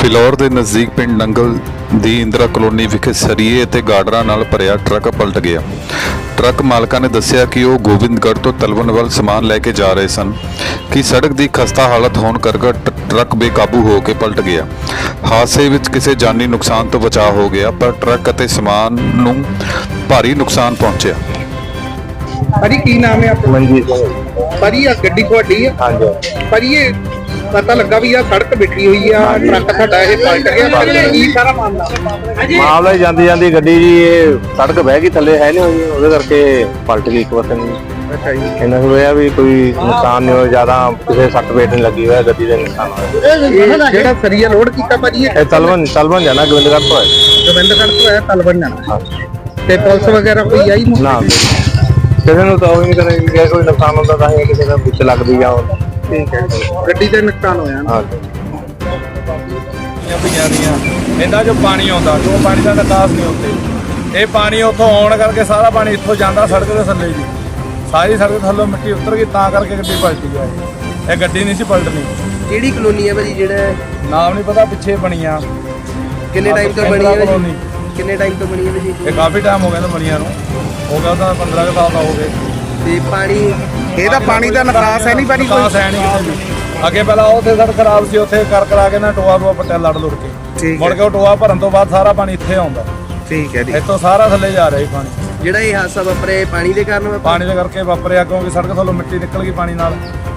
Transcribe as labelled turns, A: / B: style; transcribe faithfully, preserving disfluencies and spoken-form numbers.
A: ਫਿਲੌਰ ਦੇ ਨਜ਼ਦੀਕ ਪਿੰਡ ਨੰਗਲ ਦੀ ਇੰਦਰਾ ਕਲੋਨੀ ਵਿਖੇ ਸਰੀਏ ਅਤੇ ਗਾਰਡਰਾਂ ਨਾਲ ਭਰਿਆ ਟਰੱਕ ਪਲਟ ਗਿਆ। ਟਰੱਕ ਮਾਲਕਾਂ ਨੇ ਦੱਸਿਆ ਕਿ ਉਹ ਗੋਬਿੰਦਗੜ੍ਹ ਤੋਂ ਤਲਵਣ ਵੱਲ ਸਮਾਨ ਲੈ ਕੇ ਜਾ ਰਹੇ ਸਨ ਕਿ ਸੜਕ ਦੀ ਖਸਤਾ ਹਾਲਤ ਹੋਣ ਕਰਕੇ ਟਰੱਕ ਬੇਕਾਬੂ ਹੋ ਕੇ ਪਲਟ ਗਿਆ। ਹਾਦਸੇ ਵਿੱਚ ਕਿਸੇ ਜਾਨੀ ਨੁਕਸਾਨ ਤੋਂ ਬਚਾਅ ਹੋ ਗਿਆ, ਪਰ ਟਰੱਕ ਅਤੇ ਸਮਾਨ ਨੂੰ ਭਾਰੀ ਨੁਕਸਾਨ ਪਹੁੰਚਿਆ।
B: ਭਾਜੀ ਕੀ ਨਾਮ ਹੈ ਆਪਣਾ?
C: ਮਨਜੀਤ ਸਿੰਘ।
B: ਭਾਜੀ ਆ ਗੱਡੀ ਤੁਹਾਡੀ ਹੈ?
C: ਹਾਂਜੀ।
B: ਭਾਜੀ ਇਹ ਪਤਾ ਲੱਗਾ ਵੀ ਆ ਸੜਕ ਬਿਠੀ ਹੋਈ ਆ, ਟਰੱਕ ਤੁਹਾਡਾ ਇਹ ਪਲਟ ਗਿਆ, ਭਾਜੀ ਕੀ ਸਾਰਾ ਮਾਮਲਾ?
C: ਮਾਮਲਾ ਹੀ ਜਾਂਦੀ ਜਾਂਦੀ ਗੱਡੀ ਜੀ ਇਹ ਸੜਕ ਬਹਿ ਗਈ, ਥੱਲੇ ਹੈ ਨਹੀਂ ਹੋਈ, ਉਹਦੇ ਕਰਕੇ ਪਲਟ ਗਈ ਇੱਕ ਪਾਸੇ ਨੂੰ।
B: ਅੱਛਾ ਜੀ।
C: ਇਹਨਾਂ ਨੂੰ ਹੋਇਆ ਵੀ ਕੋਈ ਨੁਕਸਾਨ ਨਹੀਂ ਹੋਇਆ, ਜ਼ਿਆਦਾ ਕਿਸੇ ਸੱਟ ਵੇਟ ਨਹੀਂ ਲੱਗੀ ਹੋਇਆ, ਗੱਡੀ ਦੇ ਨੁਕਸਾਨ ਹੋਇਆ।
B: ਜਿਹੜਾ ਸਰੀਆ ਲੋਡ ਕੀਤਾ ਭਾਜੀ
C: ਇਹ ਤਲਵਣ ਤਲਵਣ ਜਾਣਾ ਗੋਬਿੰਦਗੜ੍ਹ ਤੋਂ ਹੈ।
B: ਗੋਬਿੰਦਗੜ੍ਹ ਤੋਂ ਹੈ ਤਲਵਣ ਜਾਣਾ। ਤੇ ਪੁਲਿਸ ਵਗੈਰਾ ਕੋਈ ਆਈ ਨਹੀਂ?
C: ਨਾ ਕਿਸੇ ਨੂੰ ਤਾਂ ਉਹ ਨਹੀਂ ਕਰੇ, ਕੋਈ ਨੁਕਸਾਨ ਹੁੰਦਾ ਤਾਂ ਹੀ ਕਿਸੇ ਦਾ ਵਿੱਚ ਲੱਗਦੀ ਜਾਂ
B: ਠੀਕ ਹੈ, ਗੱਡੀ ਦਾ ਨੁਕਸਾਨ ਹੋਇਆ।
C: ਹਾਂ
D: ਪਈਆਂ ਦੀਆਂ ਇਹਨਾਂ ਚੋਂ ਪਾਣੀ ਆਉਂਦਾ, ਜੋ ਪਾਣੀ ਦਾ ਨਿਕਾਸ ਨਹੀਂ ਹੁੰਦੇ। ਇਹ ਪਾਣੀ ਉੱਥੋਂ ਆਉਣ ਕਰਕੇ ਸਾਰਾ ਪਾਣੀ ਇੱਥੋਂ ਜਾਂਦਾ ਸੜਕ ਦੇ ਥੱਲੇ ਜੀ, ਸਾਰੀ ਸੜਕ ਥੱਲੋਂ ਮਿੱਟੀ ਉਤਰ ਗਈ, ਤਾਂ ਕਰਕੇ ਗੱਡੀ ਪਲਟੀ ਆ। ਇਹ ਗੱਡੀ ਨਹੀਂ ਸੀ ਪਲਟਣੀ।
B: ਕਿਹੜੀ ਕਲੋਨੀ ਹੈ ਭਾਜੀ? ਜਿਹੜਾ
D: ਨਾਮ ਨਹੀਂ ਪਤਾ, ਪਿੱਛੇ ਬਣੀ ਆ।
B: ਕਿੰਨੇ ਟਾਈਮ ਤੋਂ ਬਣੀ ਹੈ
D: ਕਲੋਨੀ?
B: ਕਿੰਨੇ ਟਾਈਮ ਤੋਂ ਬਣੀ ਹੈ ਭਾਜੀ?
D: ਇਹ ਕਾਫੀ ਟਾਈਮ ਹੋ ਗਿਆ ਨਾ ਬਣੀਆਂ ਨੂੰ, ਹੋ ਗਿਆ ਤਾਂ ਪੰਦਰਾਂ ਕੁ ਸਾਲ ਦਾ ਹੋ ਗਏ।
B: ਤੇ ਪਾਣੀ ਇਹਦਾ ਪਾਣੀ ਦਾ ਨਿਕਾਸ ਹੈ ਨਹੀਂ ਭਾਜੀ? ਕੋਈ
D: ਨਿਕਾਸ ਹੈ ਨਹੀਂ ਕਿਤੇ ਵੀ। ਅੱਗੇ ਪਹਿਲਾਂ ਉੱਥੇ ਸੜਕ ਖਰਾਬ ਸੀ, ਉੱਥੇ ਕਰ ਕਰਾ ਕੇ ਨਾ ਟੋਆ ਟੋਆ ਪੱਟਿਆ ਲੜ ਲੁੜ ਕੇ,
B: ਠੀਕ
D: ਮੁੜ
B: ਹੈ।
D: ਕੇ ਉਹ ਟੋਆ ਭਰਨ ਤੋਂ ਬਾਅਦ ਸਾਰਾ ਪਾਣੀ ਇੱਥੇ ਆਉਂਦਾ।
B: ਠੀਕ ਹੈ ਜੀ।
D: ਇੱਥੋਂ ਸਾਰਾ ਥੱਲੇ ਜਾ ਰਿਹਾ ਜੀ ਪਾਣੀ।
B: ਜਿਹੜਾ ਇਹ ਹਾਦਸਾ ਵਾਪਰਿਆ ਪਾਣੀ ਦੇ ਕਾਰਨ ਵਾਪਰਿਆ?
D: ਪਾਣੀ ਦੇ ਕਰਕੇ ਵਾਪਰਿਆ, ਕਿਉਂਕਿ ਸੜਕ ਥੱਲੋਂ ਮਿੱਟੀ ਨਿਕਲ ਗਈ ਪਾਣੀ ਨਾਲ।